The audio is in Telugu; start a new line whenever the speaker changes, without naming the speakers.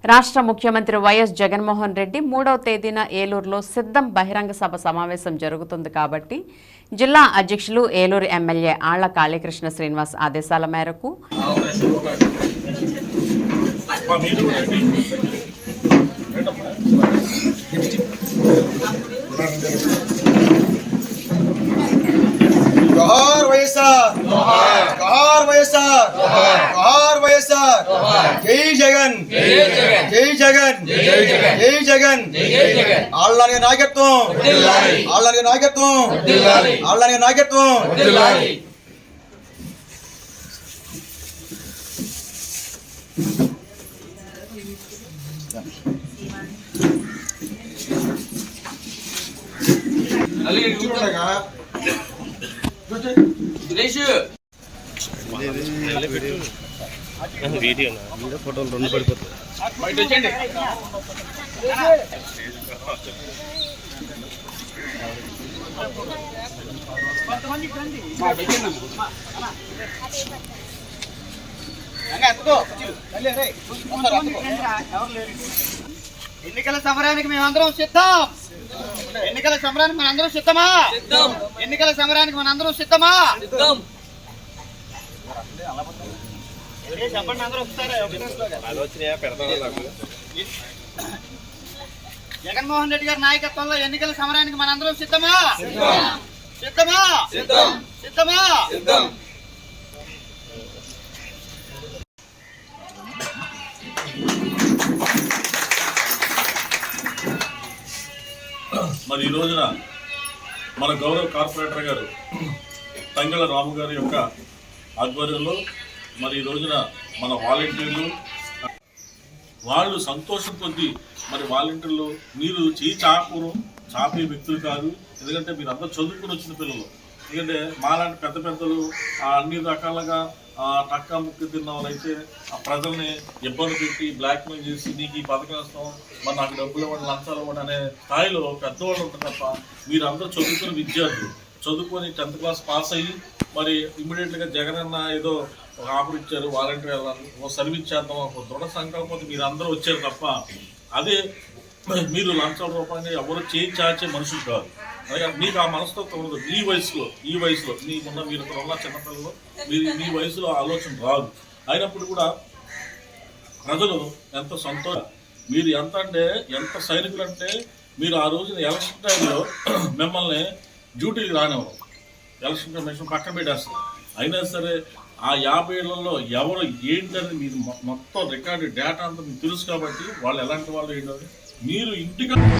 రాష్ట్ర ముఖ్యమంత్రి వైఎస్ జగన్మోహన్ రెడ్డి 3వ తేదీన ఏలూరులో సిద్ధం బహిరంగ సభ సమావేశం జరుగుతుంది కాబట్టి జిల్లా అధ్యక్షులు ఏలూరు ఎమ్మెల్యే ఆళ్ల కాళీకృష్ణ శ్రీనివాస్ ఆదేశాల మేరకు
जोहार वैएसआर जोहार वैएसआर जोहार वैएसआर जय जगन जय जगन जय जगन आళ్ళని నాయకత్వం ఆళ్ళని నాయకత్వం ఆళ్ళని నాయకత్వం
అలీ చూడగా
వీడియో ఫోటోలు రెండు పడిపోతాయి.
ఎన్నికల సమరానికి మేమందరం సిద్ధం. ఎన్నికల సమరానికి మనందరం సిద్ధమా? ఎన్నికల సమరానికి మనందరం సిద్ధమా? చెప్పండి అందరూ ఒకసారి. జగన్మోహన్ రెడ్డి గారి నాయకత్వంలో ఎన్నికల సమరానికి మనందరం సిద్ధమా? సిద్ధమా? సిద్ధమా?
మరి ఈ రోజున మన గౌరవ కార్పొరేటర్ గారు తంగళ రాము గారి యొక్క ఆధ్వర్యంలో మరి ఈ రోజున మన వాలంటీర్లు వాళ్ళు సంతోషం కొద్దీ మరి వాలంటీర్లు మీరు చాపే వ్యక్తులు కాదు. ఎందుకంటే మీరు అందరూ చదువుకుని వచ్చిన పిల్లలు. ఎందుకంటే మాలాంటి పెద్ద పెద్దలు అన్ని రకాలుగా టక్కా ముక్కు తిన్న వాళ్ళైతే ఆ ప్రజల్ని ఇబ్బంది పెట్టి బ్లాక్మెయిల్ చేసి నీకు ఈ పథకం ఇస్తాం, మరి నాకు డబ్బులు ఇవ్వండి, లంచాలు ఇవ్వండి అనే స్థాయిలో పెద్దవాళ్ళు ఉంటారు తప్ప మీరు అందరూ చదువుకున్న విద్యార్థులు చదువుకొని 10th క్లాస్ పాస్ అయ్యి మరి ఇమ్మీడియట్గా జగన్ అన్న ఏదో ఒక ఆఫర్ ఇచ్చారు, వాలంటీర్ వెళ్ళాలి, సర్వీస్ చేద్దాం ఒక దృఢ సంకల్పంతో మీరు అందరూ వచ్చారు తప్ప అదే మీరు లంచాల రూపాయలు ఎవరు చేయి చాచే మనుషులు కాదు. అలాగే మీకు ఆ మనస్తత్వం ఉండదు. ఈ వయసులో మీకున్న మీరు ఇక్కడ ఉన్న చిన్నపిల్లలు మీరు మీ వయసులో ఆలోచన రాదు. అయినప్పుడు కూడా ప్రజలు ఎంత సంతోషం. మీరు ఎంత సైనికులు అంటే మీరు ఆ రోజున ఎలక్షన్ టైంలో మిమ్మల్ని డ్యూటీకి రానివ్వరు, ఎలక్షన్ కమిషన్ పక్కన పెట్టేస్తారు. అయినా సరే ఆ 50 ఏళ్లలో ఎవరు ఏంటని మీరు మొత్తం రికార్డు డేటా అంతా మీకు తెలుసు కాబట్టి వాళ్ళు ఎలాంటి వాళ్ళు ఏంటని మీరు ఇంటికి